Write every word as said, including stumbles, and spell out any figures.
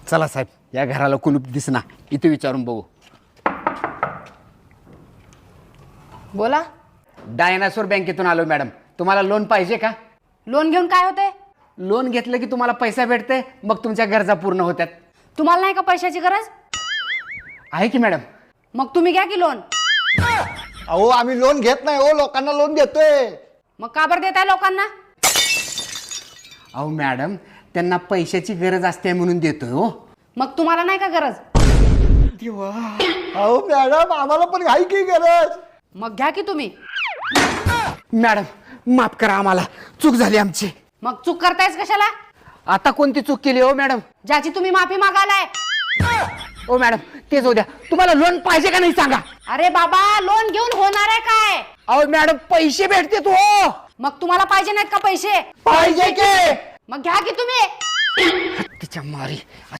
चला साहेब, या घराला कुलूप दिसना, इथे विचारून बघू. बोला. डायनासोर बँकेतून आलो मॅडम. तुम्हाला लोन पाहिजे का? लोन घेऊन काय होते? लोन घेतलं की तुम्हाला पैसा भेटते, मग तुमच्या गरजा पूर्ण होतात. तुम्हाला नाही का पैशाची गरज? आहे की मॅडम. मग तुम्ही घ्या की लोन. अहो आम्ही लोन घेत नाही हो, लोकांना लोन देतोय. मग का बरं देताय लोकांना? अहो मॅडम, त्यांना पैशाची गरज असते म्हणून देतोय हो. मग तुम्हाला नाही का गरज? अहो मॅडम, आम्हाला पण आहे की गरज. मग घ्या की तुम्ही. मॅडम माफ करा, आम्हाला चूक झाली आमची. मग चूक करतायच कशाला? आता कोणती चूक केली हो मॅडम? ज्याची तुम्ही माफी मागालाय. ओ मॅडम, तेच होत्या. तुम्हाला लोन पाहिजे का नाही सांगा. अरे बाबा, लोन घेऊन होणार आहे काय? अहो मॅडम, पैसे भेटते तो. मग तुम्हाला पाहिजे नाहीत का पैसे? पाहिजे की. मग घ्या की तुम्ही. तिच्या मारी